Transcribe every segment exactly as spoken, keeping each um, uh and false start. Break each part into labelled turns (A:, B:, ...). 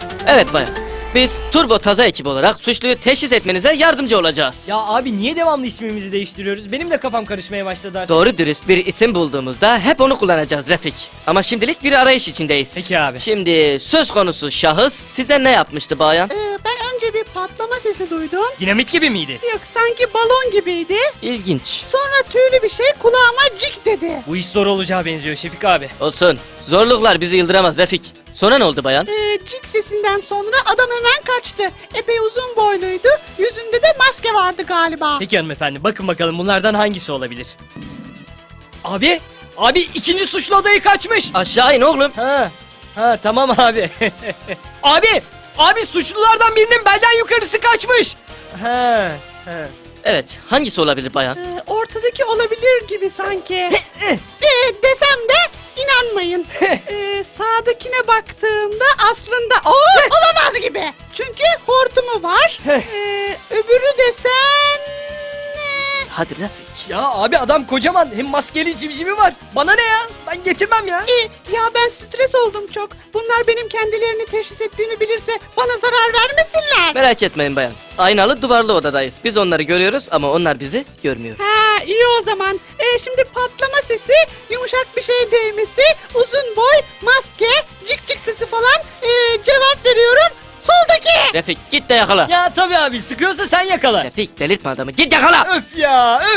A: Evet bayan. Biz Turbo Taza ekibi olarak suçluyu teşhis etmenize yardımcı olacağız.
B: Ya abi niye devamlı ismimizi değiştiriyoruz? Benim de kafam karışmaya başladı artık.
A: Doğru dürüst bir isim bulduğumuzda hep onu kullanacağız Refik. Ama şimdilik bir arayış içindeyiz.
B: Peki abi.
A: Şimdi söz konusu şahıs size ne yapmıştı bayan?
C: Ee, ben önce bir patlama sesi duydum.
B: Dinamit gibi miydi?
C: Yok, sanki balon gibiydi.
A: İlginç.
C: Sonra tüylü bir şey kulağıma cik dedi.
B: Bu iş zor olacağı benziyor Şefik abi.
A: Olsun. Zorluklar bizi yıldıramaz Refik. Sonra ne oldu bayan?
C: Ee, cik sesinden sonra adam hemen kaçtı. Epey uzun boyluydu. Yüzünde de maske vardı galiba.
B: Peki hanımefendi, bakın bakalım bunlardan hangisi olabilir? Abi! Abi ikinci suçlu adayı kaçmış!
A: Aşağı in oğlum.
B: Ha, ha tamam abi. Abi! Abi suçlulardan birinin belden yukarısı kaçmış! Ha, ha.
A: Evet, hangisi olabilir bayan?
C: Ee, ortadaki olabilir gibi sanki. ee, desem de inanmayın. ee, sağdakine baktığımda aslında o olamaz gibi. Çünkü hortumu var. ee, öbürü desen... ee,
A: Hadi Refik.
B: Ya abi adam kocaman, hem maskeli civcivi var. Bana ne ya? Ben getirmem ya.
C: ee, ya ben stres oldum çok. Bunlar benim kendilerini teşhis ettiğimi bilirse bana zarar vermesinler.
A: Merak etmeyin bayan. Aynalı duvarlı odadayız. Biz onları görüyoruz ama onlar bizi görmüyor.
C: Ha, iyi o zaman. Ee, şimdi patlama sesi, yumuşak bir şey değmesi, uzun boy, maske, cik cik sesi falan. Ee, cevap veriyorum. Soldaki.
A: Refik git de yakala.
B: Ya tabii abi, sıkıyorsa sen yakala.
A: Refik delirtme adamı. Git yakala.
B: Öf ya, öf.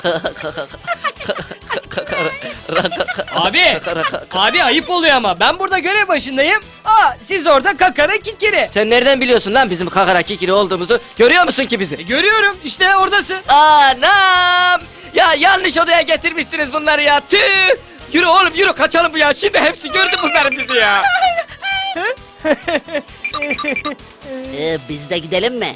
B: Abi, abi ayıp oluyor ama ben burada görev başındayım. Aa, siz orada kakara kikiri.
A: Sen nereden biliyorsun lan bizim kakara kikiri olduğumuzu? Görüyor musun ki bizi?
B: E, görüyorum, işte oradasın.
A: Anam! Ya yanlış odaya getirmişsiniz bunları ya. Tüh! Yürü oğlum yürü kaçalım bu ya. Şimdi hepsi gördü bunların bizi ya.
D: Ee, biz de gidelim mi?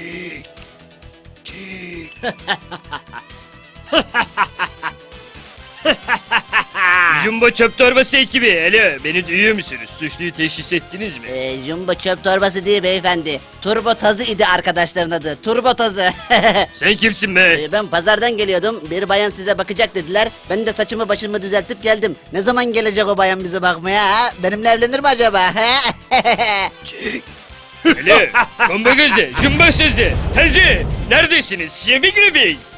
E: Jumbo çöp torbası ekibi, hele beni duyuyor musunuz? Suçluyu teşhis ettiniz mi?
D: Ee, jumbo çöp torbası değil beyefendi. Turbo tazı idi arkadaşların adı. Turbo tazı.
E: Sen kimsin be?
D: Ee, ben pazardan geliyordum. Bir bayan size bakacak dediler. Ben de saçımı başımı düzeltip geldim. Ne zaman gelecek o bayan bize bakmaya ha? Benimle evlenir mi acaba?
E: Hele, kombo gözü, jumbo sözü, tazı, neredesiniz? Şefik Refik.